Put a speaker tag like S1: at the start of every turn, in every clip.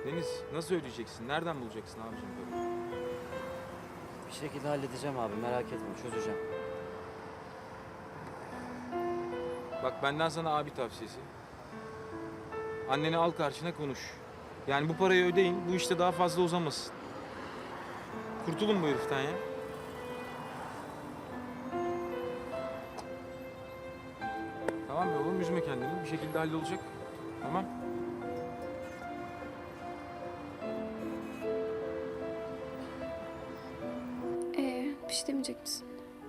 S1: Deniz nasıl ödeyeceksin? Nereden bulacaksın abicim böyle?
S2: Bir şekilde halledeceğim abi, merak etme, çözeceğim.
S1: Bak benden sana abi tavsiyesi. Anneni al karşına konuş. Yani bu parayı ödeyin, bu işte daha fazla uzamasın. Kurtulun bu heriften ya. Tamam ya oğlum, üzme kendini. Bir şekilde hallolacak. Tamam.
S3: Bir şey demeyecek misin?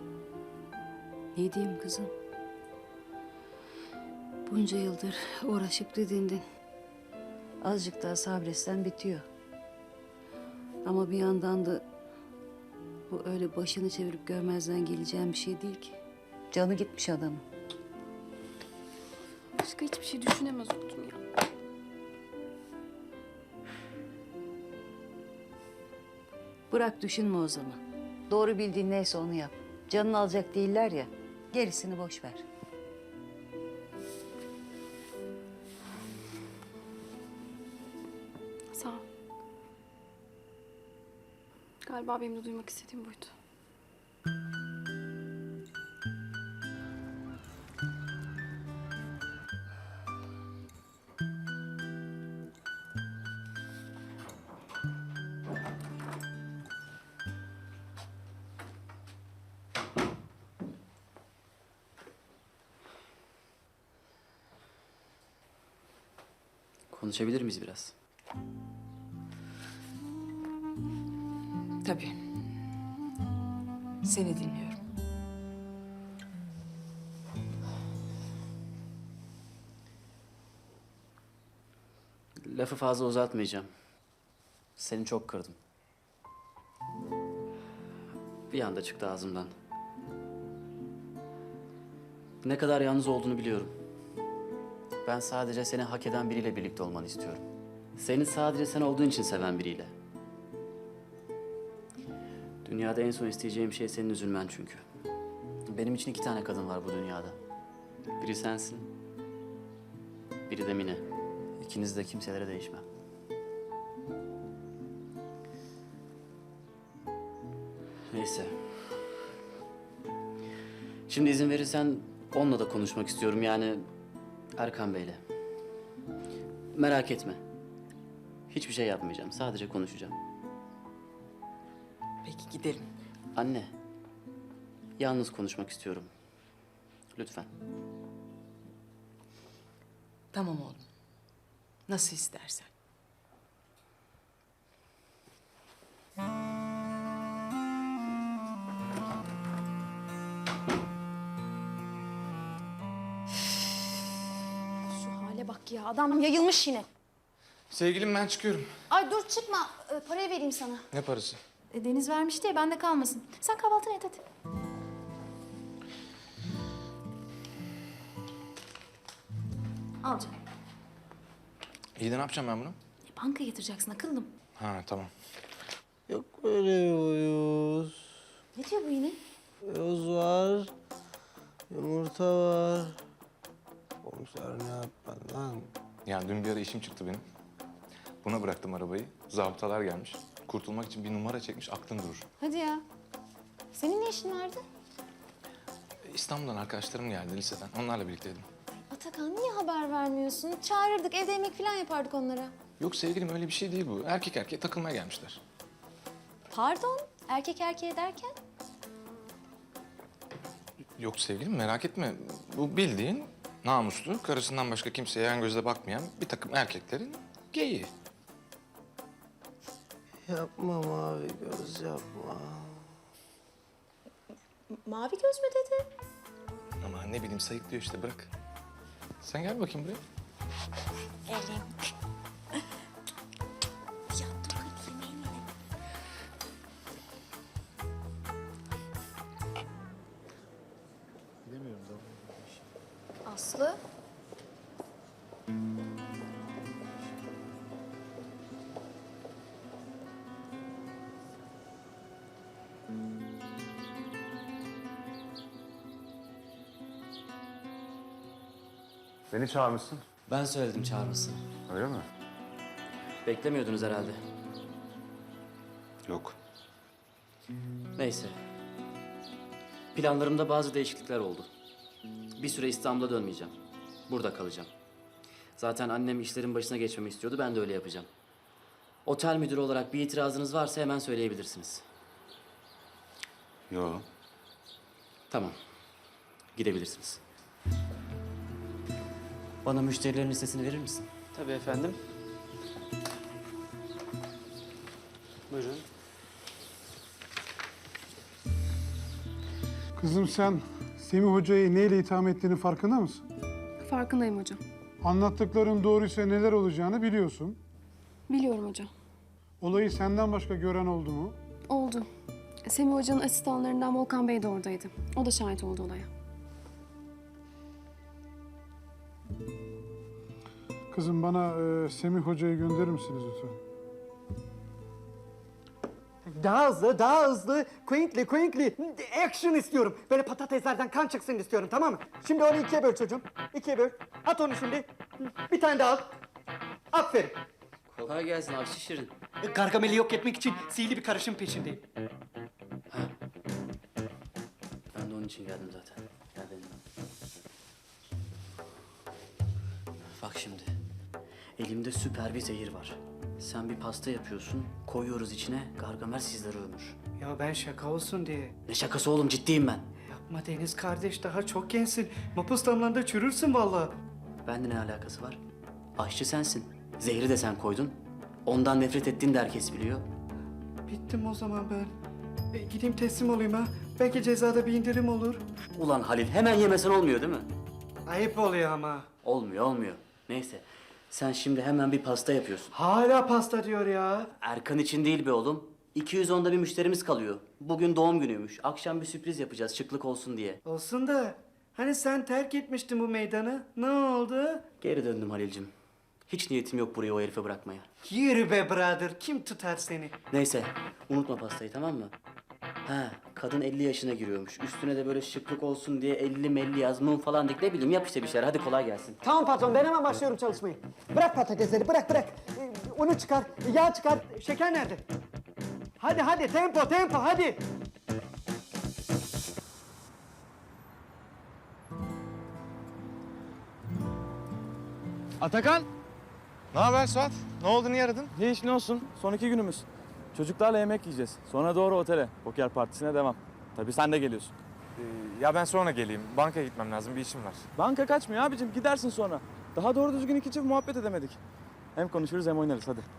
S4: Ne diyeyim kızım? Bunca yıldır uğraşıp didindin. Azıcık daha sabretsen bitiyor. Ama bir yandan da bu öyle başını çevirip görmezden geleceğin bir şey değil ki. Canı gitmiş adamın.
S3: Başka hiçbir şey düşünemez oldum ya.
S4: Bırak düşünme o zaman. Doğru bildiğin neyse onu yap. Canını alacak değiller ya. Gerisini boş ver.
S3: Sağ ol. Galiba benim de duymak istediğim buydu.
S2: Konuşabilir miyiz biraz?
S5: Tabii. Seni dinliyorum.
S2: Lafı fazla uzatmayacağım. Seni çok kırdım. Bir anda çıktı ağzımdan. Ne kadar yalnız olduğunu biliyorum. Ben sadece seni hak eden biriyle birlikte olmanı istiyorum. Seni sadece sen olduğun için seven biriyle. Dünyada en son isteyeceğim şey senin üzülmen çünkü. Benim için 2 tane kadın var bu dünyada. Biri sensin, biri de Mine. İkiniz de kimselere değişmem. Neyse. Şimdi izin verirsen onunla da konuşmak istiyorum, yani Erkan Bey'le. Merak etme. Hiçbir şey yapmayacağım, sadece konuşacağım.
S5: Peki gidelim.
S2: Anne, yalnız konuşmak istiyorum. Lütfen.
S5: Tamam oğlum. Nasıl istersen.
S6: Şu hale bak ya, adam yayılmış yine.
S7: Sevgilim ben çıkıyorum.
S6: Ay dur çıkma, parayı vereyim sana.
S7: Ne parası?
S6: Deniz vermişti ya, bende kalmasın. Sen kahvaltını et hadi. Al canım.
S7: İyi de ne yapacağım ben bunu?
S6: Bankaya yatıracaksın akıllım.
S7: Ha tamam.
S8: Yok böyle bir uyuz.
S6: Ne diyor bu yine?
S8: Yoz var. Yumurta var. Komiser ne yapar lan?
S7: Ya dün bir ara işim çıktı benim. Buna bıraktım arabayı. Zabıtalar gelmiş. Kurtulmak için bir numara çekmiş, aklın durur.
S6: Hadi ya. Senin ne işin vardı?
S7: İstanbul'dan arkadaşlarım geldi liseden. Onlarla birlikteydim.
S6: Atakan niye haber vermiyorsun? Çağırırdık, evde yemek falan yapardık onlara.
S7: Yok sevgilim öyle bir şey değil bu. Erkek erkeğe takılmaya gelmişler.
S6: Pardon, erkek erkeğe derken?
S7: Yok sevgilim merak etme. Bu bildiğin namuslu, karısından başka kimseye yan gözle bakmayan bir takım erkeklerin geyiği.
S8: Yapma mavi göz yapma.
S6: Mavi göz mü dedi?
S7: Ama ne bileyim sayıklıyor işte bırak. Sen gel bakayım buraya.
S6: Aslı.
S9: Beni çağırmışsın.
S2: Ben söyledim çağırmasını.
S9: Öyle mi?
S2: Beklemiyordunuz herhalde.
S9: Yok.
S2: Neyse. Planlarımda bazı değişiklikler oldu. Bir süre İstanbul'a dönmeyeceğim. Burada kalacağım. Zaten annem işlerin başına geçmemi istiyordu, ben de öyle yapacağım. Otel müdürü olarak bir itirazınız varsa hemen söyleyebilirsiniz.
S9: Yok.
S2: Tamam. Gidebilirsiniz. Bana müşterilerin listesini verir misin?
S10: Tabii efendim. Buyurun.
S11: Kızım sen Semih Hoca'yı neyle itham ettiğinin farkında mısın?
S3: Farkındayım hocam.
S11: Anlattıkların doğruysa neler olacağını biliyorsun.
S3: Biliyorum hocam.
S11: Olayı senden başka gören oldu mu?
S3: Oldu. Semih hocanın asistanlarından Volkan Bey de oradaydı. O da şahit oldu olaya.
S11: Kızım bana Semih Hoca'yı gönderir misiniz lütfen?
S10: Daha hızlı. Quickly. Action istiyorum. Böyle patateslerden kan çıksın istiyorum, tamam mı? Şimdi onu ikiye böl çocuğum. İkiye böl. At onu şimdi. Bir tane daha al. Aferin.
S2: Kolay gelsin Akşi Şirin.
S10: Gargamel'i yok etmek için sihirli bir karışım peşindeyim.
S2: Ben de onun için geldim zaten. Gel benimle. Bak şimdi. Elimde süper bir zehir var. Sen bir pasta yapıyorsun, koyuyoruz içine, Gargamel sizleri ömür.
S10: Ya ben şaka olsun diye.
S2: Ne şakası oğlum, ciddiyim ben.
S10: Yapma Deniz kardeş, daha çok gençsin. Mapus damlanda çürürsün vallahi.
S2: Bende ne alakası var? Aşçı sensin. Zehri de sen koydun. Ondan nefret ettiğini de herkes biliyor.
S10: Bittim o zaman ben. Gideyim teslim olayım ha. Belki cezada bir indirim olur.
S2: Ulan Halil, hemen yemesen olmuyor değil mi?
S10: Ayıp oluyor ama.
S2: Olmuyor. Neyse. Sen şimdi hemen bir pasta yapıyorsun.
S10: Hala pasta diyor ya.
S2: Erkan için değil be oğlum. 210'da bir müşterimiz kalıyor. Bugün doğum günüymüş. Akşam bir sürpriz yapacağız şıklık olsun diye.
S10: Olsun da hani sen terk etmiştin bu meydanı. Ne oldu?
S2: Geri döndüm Halil'cim. Hiç niyetim yok buraya o herife bırakmaya.
S10: Yürü be brother. Kim tutar seni?
S2: Neyse, unutma pastayı, tamam mı? Ha, kadın 50 yaşına giriyormuş. Üstüne de böyle şıklık olsun diye 50 melli yaz, mum falan dik, ne bileyim, yap işte bir şeyler. Hadi kolay gelsin.
S10: Tamam patron, ben hemen başlıyorum çalışmayı. Bırak patatesleri, bırak. Unu çıkar, yağ çıkar. Şeker nerede? Hadi tempo hadi.
S1: Atakan!
S7: Ne haber Suat? Ne oldu, niye aradın?
S1: Ne iş ne olsun? Son 2 günümüz. Çocuklarla yemek yiyeceğiz. Sonra doğru otele. Poker partisine devam. Tabii sen de geliyorsun.
S7: Ya ben sonra geleyim. Bankaya gitmem lazım, bir işim var.
S1: Banka kaçmıyor abicim. Gidersin sonra. Daha doğru düzgün 2 çift muhabbet edemedik. Hem konuşuruz hem oynarız hadi.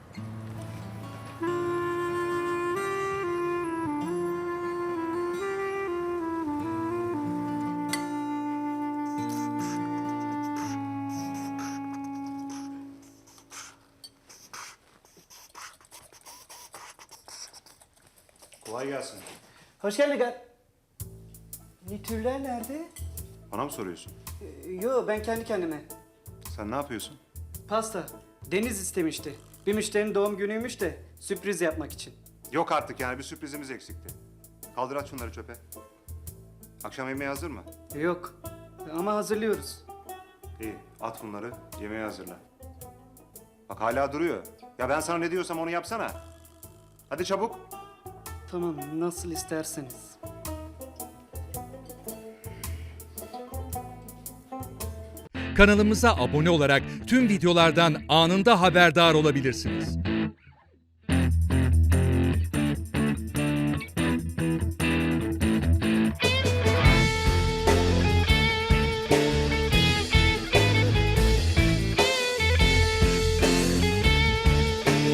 S9: Kolay gelsin.
S10: Hoş geldin. Nitürler nerede?
S9: Bana mı soruyorsun?
S10: Yo, ben kendi kendime.
S9: Sen ne yapıyorsun?
S10: Pasta. Deniz istemişti. Bir müşterinin doğum günüymüş de sürpriz yapmak için.
S9: Yok artık, yani bir sürprizimiz eksikti. Kaldır at şunları çöpe. Akşam yemeği hazır mı?
S10: Yok ama hazırlıyoruz.
S9: İyi, at bunları, yemeği hazırla. Bak hala duruyor. Ya ben sana ne diyorsam onu yapsana. Hadi çabuk.
S10: Tamam, nasıl isterseniz.
S12: Kanalımıza abone olarak tüm videolardan anında haberdar olabilirsiniz.